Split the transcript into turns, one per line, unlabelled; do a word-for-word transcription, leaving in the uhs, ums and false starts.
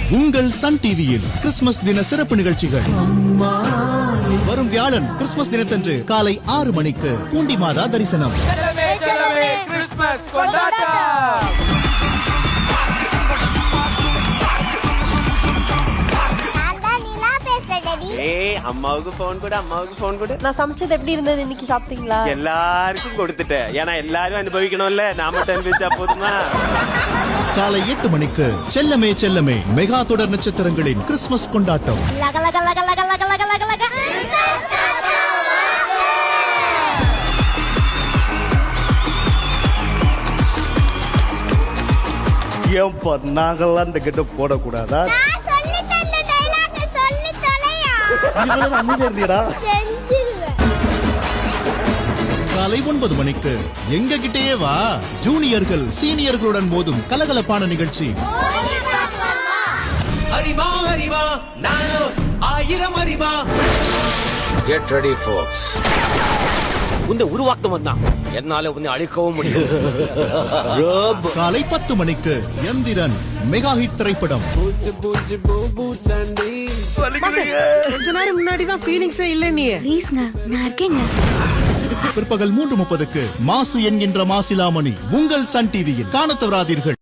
உங்கள் சன் டிவியில் கிறிஸ்துமஸ் தின சிறப்பு நிகழ்ச்சிகள் வரும் வியாழன் கிறிஸ்துமஸ் தினத்தன்று காலை ஆறு மணிக்கு பூண்டி மாதா தரிசனம்.
அம்மாவுக்கு போன் கொடு, அம்மாவுக்கு போன் கொடு.
நான் சமைச்சது எப்படி இருந்தது இன்னைக்கு சாப்பிட்டீங்களா?
எல்லாருக்கும் கொடுத்துட்டேன். ஏன்னா எல்லாரும் அனுபவிக்கணும்ல, நாம அனுபவிச்சா போதுமா?
காலை எட்டு மணிக்கு செல்லமே செல்லமே மெகா தொடர் நட்சத்திரங்களின் கிறிஸ்துமஸ் கொண்டாட்டம்.
ஏன்பா நாங்கெல்லாம் அந்த கிட்ட போடக்கூடாதா?
காலை ஒன்பது மணிக்கு எங்க கிட்டேயே வா, ஜூனியர்கள் சீனியர்களுடன் மோதும் கலகலப்பான நிகழ்ச்சி.
அறிவா அறிவா நானோ ஆயிரம் அறிவா.
Get ready folks. உன்னை உருவாக்கம் தான், என்னால உன்னை அழிக்கவும் முடியும்.
காலை பத்து மணிக்கு எந்திரன் மெகா ஹிட் திரைப்படம்.
கொஞ்ச நேரம் முன்னாடி தான் ஃபீலிங்ஸே இல்ல. நீ
ப்ளீஸ்ங்க, நான் இருக்கேங்க.
பிற்பகல் மூன்று முப்பதுக்கு மாசு என்கின்ற மாசிலாமணி உங்கள் சன் டிவியில் காணத் தவறாதீர்கள்.